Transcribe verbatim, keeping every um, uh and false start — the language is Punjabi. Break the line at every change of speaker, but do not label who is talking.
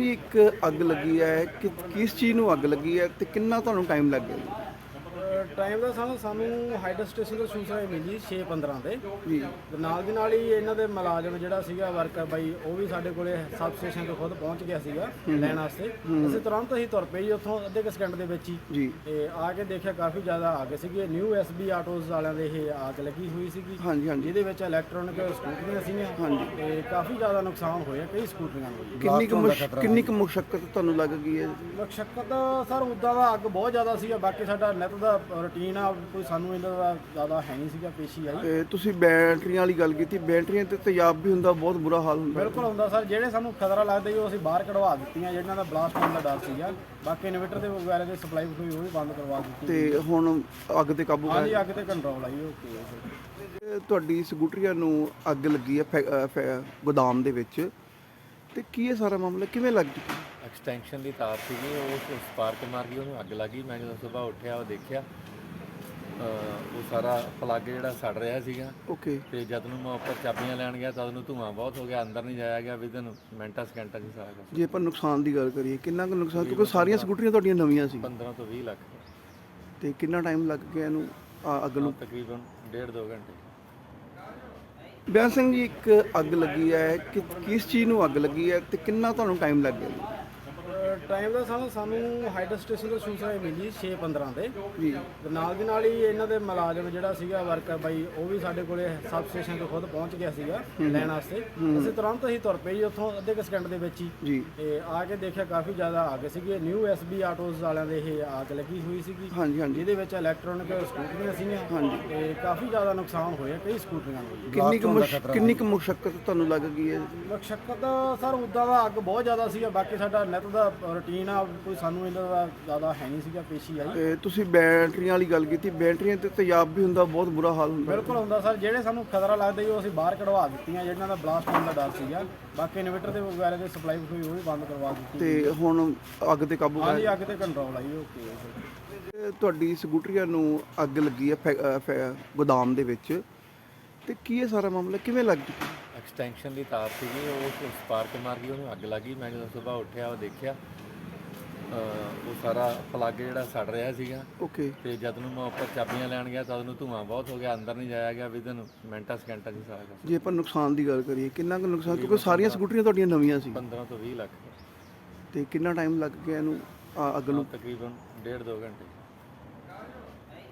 ਜੀ ਇੱਕ ਅੱਗ ਲੱਗੀ ਹੈ ਕਿ ਕਿਸ ਚੀਜ਼ ਨੂੰ ਅੱਗ ਲੱਗੀ ਹੈ ਤੇ ਕਿੰਨਾ ਤੁਹਾਨੂੰ ਟਾਈਮ ਲੱਗ ਗਿਆ ਜੀ?
ਟਾਈਮ ਦਾ ਸਾਨੂੰ ਸਾਨੂੰ ਹਾਈਡਰ ਸਟੇਸ਼ਨ ਤੋਂ ਸੂਚਨਾ ਮਿਲੀ ਛੇ ਪੰਦਰਾਂ ਤੇ
ਜੀ
ਤੇ ਨਾਲ ਦੀ ਨਾਲ ਹੀ ਇਹਨਾਂ ਦੇ ਮੁਲਾਜ਼ਮ ਜਿਹੜਾ ਸੀਗਾ ਵਰਕਰ ਬਾਈ ਉਹ ਵੀ ਸਾਡੇ ਕੋਲੇ ਸਬ ਸਟੇਸ਼ਨ ਤੋਂ ਖੁਦ ਪਹੁੰਚ ਗਿਆ ਸੀਗਾ ਲੈਣ ਵਾਸਤੇ। ਅਸੀਂ ਤੁਰੰਤ ਅਸੀਂ ਤੁਰ ਪਏ ਜੀ ਉੱਥੋਂ ਅੱਧੇ ਕੁ ਸਕਿੰਟ ਦੇ ਵਿੱਚ ਹੀ
ਜੀ
ਤੇ ਆ ਕੇ ਦੇਖਿਆ ਕਾਫੀ ਜ਼ਿਆਦਾ ਅੱਗ ਸੀਗੀ। ਨਿਊ ਐਸ ਬੀ ਆਟੋਜ਼ ਵਾਲਿਆਂ ਦੇ ਇਹ ਅੱਗ ਲੱਗੀ ਹੋਈ ਸੀਗੀ
ਹਾਂਜੀ ਹਾਂਜੀ
ਜਿਹਦੇ ਵਿੱਚ ਇਲੈਕਟ੍ਰੋਨਿਕ ਸਕੂਟਰੀਆਂ ਸੀਗੀਆਂ
ਹਾਂਜੀ।
ਤੇ ਕਾਫੀ ਜ਼ਿਆਦਾ ਨੁਕਸਾਨ ਹੋਇਆ ਕਈ ਸਕੂਟਰੀਆਂ ਨੂੰ।
ਕਿੰਨੀ ਕੁ ਮੁਸ਼- ਕਿੰਨੀ ਕੁ ਮੁਸ਼ਕਲ ਤੁਹਾਨੂੰ ਲੱਗ ਗਈ ਹੈ?
ਮੁਸ਼ੱਕਤ ਸਰ ਉੱਦਾਂ ਦਾ ਅੱਗ ਬਹੁਤ ਜ਼ਿਆਦਾ ਸੀਗਾ। ਬਾਕੀ ਸਾਡਾ ਨਿੱਤ ਦਾ ਰੂਟੀਨ ਆ, ਕੋਈ ਸਾਨੂੰ ਇਹਨਾਂ ਦਾ ਜ਼ਿਆਦਾ ਹੈ ਨਹੀਂ ਸੀਗਾ ਪੇਸ਼ੀ ਆਈ।
ਤੇ ਤੁਸੀਂ ਬੈਟਰੀਆਂ ਵਾਲੀ ਗੱਲ ਕੀਤੀ, ਬੈਟਰੀਆਂ ਤੇ ਤੇਜ਼ਾਬ ਵੀ ਹੁੰਦਾ, ਬਹੁਤ ਬੁਰਾ ਹਾਲ ਹੁੰਦਾ।
ਬਿਲਕੁਲ ਹੁੰਦਾ ਸਰ। ਜਿਹੜੇ ਸਾਨੂੰ ਖਤਰਾ ਲੱਗਦਾ ਜੀ ਉਹ ਅਸੀਂ ਬਾਹਰ ਕਢਵਾ ਦਿੱਤੀਆਂ, ਜਿਹਨਾਂ ਦਾ ਬਲਾਸਟ ਹੋਣ ਦਾ ਡਰ ਸੀਗਾ। ਬਾਕੀ ਇਨਵੇਟਰ ਦੇ ਵਗੈਰਾ ਦੇ ਸਪਲਾਈ ਕੋਈ ਉਹ ਵੀ ਬੰਦ ਕਰਵਾ ਦਿੱਤੀ
ਤੇ ਹੁਣ ਅੱਗ ਤੇ ਕਾਬੂ
ਹਾਂਜੀ।
ਪਾਇਆ?
ਅੱਗ ਤੇ ਕੰਟਰੋਲ ਆਈ ਓਕੇ ਹੈ।
ਇਹ ਤੁਹਾਡੀ ਸਕੂਟਰੀਆਂ ਨੂੰ ਅੱਗ ਲੱਗੀ ਹੈ ਫੈ- ਅ, ਫੈ- ਗੋਦਾਮ ਦੇ ਵਿੱਚ, ਤੇ ਕੀ ਇਹ ਸਾਰਾ ਮਾਮਲਾ ਕਿਵੇਂ ਲੱਗ ਚੁੱਕਾ?
ਐਕਸਟੈਂਸ਼ਨ ਦੀ ਤਾਰ ਸੀਗੀ, ਉਹ ਸਪਾਰਕ ਮਾਰ ਗਈ, ਉਹਨੂੰ ਅੱਗ ਲੱਗੀ। ਮੈਂ ਜਦੋਂ ਸਵੇਰ ਉੱਠਿਆ ਉਹ ਦੇਖਿਆ ਅਹ ਉਹ ਸਾਰਾ ਪਲੱਗ ਜਿਹੜਾ ਸੜ ਰਿਹਾ ਸੀਗਾ।
ਓਕੇ।
ਤੇ ਜਦ ਨੂੰ ਮੈਂ ਉੱਪਰ ਚਾਬੀਆਂ ਲੈਣ ਗਿਆ ਤਾਂ ਉਹਨੂੰ ਧੂੰਆਂ ਬਹੁਤ ਹੋ ਗਿਆ, ਅੰਦਰ ਨਹੀਂ ਜਾਇਆ ਗਿਆ। ਵਿਦਨ ਮਿੰਟਾਂ ਸਕਿੰਟਾਂ 'ਚ ਸਾਰਾ ਕੁਛ।
ਜੇ ਆਪਾਂ ਨੁਕਸਾਨ ਦੀ ਗੱਲ ਕਰੀਏ, ਕਿੰਨਾ ਕੁ ਨੁਕਸਾਨ? ਕਿਉਂਕਿ ਸਾਰੀਆਂ ਸਕੂਟਰੀਆਂ ਤੁਹਾਡੀਆਂ ਨਵੀਆਂ ਸੀ,
ਪੰਦਰਾਂ ਤੋਂ ਵੀਹ ਲੱਖ
ਤੇ ਕਿੰਨਾ ਟਾਈਮ ਲੱਗ ਗਿਆ ਇਹਨੂੰ ਆ ਅੱਗ ਨੂੰ?
ਤਕਰੀਬਨ ਡੇਢ ਦੋ ਘੰਟੇ।
ਬਿਆਨ ਸਿੰਘ ਜੀ, ਇੱਕ ਅੱਗ ਲੱਗੀ ਹੈ ਕਿ ਕਿਸ ਚੀਜ਼ ਨੂੰ ਅੱਗ ਲੱਗੀ ਹੈ ਤੇ ਕਿੰਨਾ ਤੁਹਾਨੂੰ ਟਾਈਮ ਲੱਗ ਗਿਆ ਜੀ?
ਟਾਈਮ ਦਾ ਸਾਨੂੰ ਸਾਨੂੰ ਹਾਈਡਰ ਸਟੇਸ਼ਨ ਤੋਂ ਸੂਚਨਾ ਮਿਲੀ ਛੇ ਪੰਦਰਾਂ ਤੇ
ਜੀ
ਤੇ ਨਾਲ ਦੀ ਨਾਲ ਹੀ ਇਹਨਾਂ ਦੇ ਮੁਲਾਜ਼ਮ ਜਿਹੜਾ ਸੀਗਾ ਵਰਕਰ ਬਾਈ ਉਹ ਵੀ ਸਾਡੇ ਕੋਲੇ ਸਬ ਸਟੇਸ਼ਨ ਤੋਂ ਖੁਦ ਪਹੁੰਚ ਗਿਆ ਸੀਗਾ ਲੈਣ ਵਾਸਤੇ। ਅਸੀਂ ਤੁਰੰਤ ਅਸੀਂ ਤੁਰ ਪਏ ਜੀ ਉੱਥੋਂ ਅੱਧੇ ਕੁ ਸਕਿੰਟ ਦੇ ਵਿੱਚ ਹੀ
ਜੀ
ਤੇ ਆ ਕੇ ਦੇਖਿਆ ਕਾਫੀ ਜ਼ਿਆਦਾ ਅੱਗ ਸੀਗੀ। ਨਿਊ ਐਸ ਬੀ ਆਟੋਜ਼ ਵਾਲਿਆਂ ਦੇ ਇਹ ਅੱਗ ਲੱਗੀ ਹੋਈ ਸੀਗੀ
ਹਾਂਜੀ ਹਾਂਜੀ
ਜਿਹਦੇ ਵਿੱਚ ਇਲੈਕਟ੍ਰੋਨਿਕ ਸਕੂਟਰੀਆਂ ਸੀਗੀਆਂ
ਹਾਂਜੀ।
ਤੇ ਕਾਫੀ ਜ਼ਿਆਦਾ ਨੁਕਸਾਨ ਹੋਇਆ ਕਈ ਸਕੂਟਰੀਆਂ ਨੂੰ।
ਕਿੰਨੀ ਕੁ ਮੁਸ਼- ਕਿੰਨੀ ਕੁ ਮੁਸ਼ਕਲ ਤੁਹਾਨੂੰ ਲੱਗ ਗਈ ਹੈ?
ਮੁਸ਼ੱਕਤ ਸਰ ਉੱਦਾਂ ਦਾ ਅੱਗ ਬਹੁਤ ਜ਼ਿਆਦਾ ਸੀਗਾ। ਬਾਕੀ ਸਾਡਾ ਨਿੱਤ ਦਾ ਰੂਟੀਨ ਆ, ਕੋਈ ਸਾਨੂੰ ਇਹਨਾਂ ਦਾ ਜ਼ਿਆਦਾ ਹੈ ਨਹੀਂ ਸੀਗਾ ਪੇਸ਼ੀ ਆਈ।
ਤੇ ਤੁਸੀਂ ਬੈਟਰੀਆਂ ਵਾਲੀ ਗੱਲ ਕੀਤੀ, ਬੈਟਰੀਆਂ ਤੇ ਤੇਜ਼ਾਬ ਵੀ ਹੁੰਦਾ, ਬਹੁਤ ਬੁਰਾ ਹਾਲ ਹੁੰਦਾ।
ਬਿਲਕੁਲ ਹੁੰਦਾ ਸਰ। ਜਿਹੜੇ ਸਾਨੂੰ ਖਤਰਾ ਲੱਗਦਾ ਜੀ ਉਹ ਅਸੀਂ ਬਾਹਰ ਕਢਵਾ ਦਿੱਤੀਆਂ, ਜਿਹਨਾਂ ਦਾ ਬਲਾਸਟ ਹੋਣ ਦਾ ਡਰ ਸੀਗਾ। ਬਾਕੀ ਇਨਵੇਟਰ ਦੇ ਵਗੈਰਾ ਦੇ ਸਪਲਾਈ ਕੋਈ ਉਹ ਵੀ ਬੰਦ ਕਰਵਾ ਦਿੱਤੀ
ਤੇ ਹੁਣ ਅੱਗ ਤੇ ਕਾਬੂ
ਹਾਂਜੀ।
ਪਾਇਆ?
ਅੱਗ ਤੇ ਕੰਟਰੋਲ ਆਈ ਓਕੇ ਹੈ।
ਇਹ ਤੁਹਾਡੀ ਸਕੂਟਰੀਆਂ ਨੂੰ ਅੱਗ ਲੱਗੀ ਹੈ ਫੈ- ਅ, ਫੈ- ਗੋਦਾਮ ਦੇ ਵਿੱਚ, ਤੇ ਕੀ ਇਹ ਸਾਰਾ ਮਾਮਲਾ ਕਿਵੇਂ ਲੱਗ ਚੁੱਕਾ?
ਐਕਸਟੈਂਸ਼ਨ ਦੀ ਤਾਰ ਸੀਗੀ, ਉਹ ਸਪਾਰਕ ਮਾਰ ਗਈ, ਉਹਨੂੰ ਅੱਗ ਲੱਗੀ। ਮੈਂ ਜਦੋਂ ਸਵੇਰ ਉੱਠਿਆ ਉਹ ਦੇਖਿਆ ਅਹ ਉਹ ਸਾਰਾ ਪਲੱਗ ਜਿਹੜਾ ਸੜ ਰਿਹਾ ਸੀਗਾ।
ਓਕੇ।
ਤੇ ਜਦ ਨੂੰ ਮੈਂ ਉੱਪਰ ਚਾਬੀਆਂ ਲੈਣ ਗਿਆ ਤਾਂ ਉਹਨੂੰ ਧੂੰਆਂ ਬਹੁਤ ਹੋ ਗਿਆ, ਅੰਦਰ ਨਹੀਂ ਜਾਇਆ ਗਿਆ। ਵਿਦਨ ਮਿੰਟਾਂ ਸਕਿੰਟਾਂ 'ਚ ਸਾਰਾ ਕੁਛ।
ਜੇ ਆਪਾਂ ਨੁਕਸਾਨ ਦੀ ਗੱਲ ਕਰੀਏ, ਕਿੰਨਾ ਕੁ ਨੁਕਸਾਨ? ਕਿਉਂਕਿ ਸਾਰੀਆਂ ਸਕੂਟਰੀਆਂ ਤੁਹਾਡੀਆਂ ਨਵੀਆਂ ਸੀ,
ਪੰਦਰਾਂ ਤੋਂ ਵੀਹ ਲੱਖ
ਤੇ ਕਿੰਨਾ ਟਾਈਮ ਲੱਗ ਗਿਆ ਇਹਨੂੰ ਆ ਅੱਗ ਨੂੰ?
ਤਕਰੀਬਨ ਡੇਢ ਦੋ ਘੰਟੇ।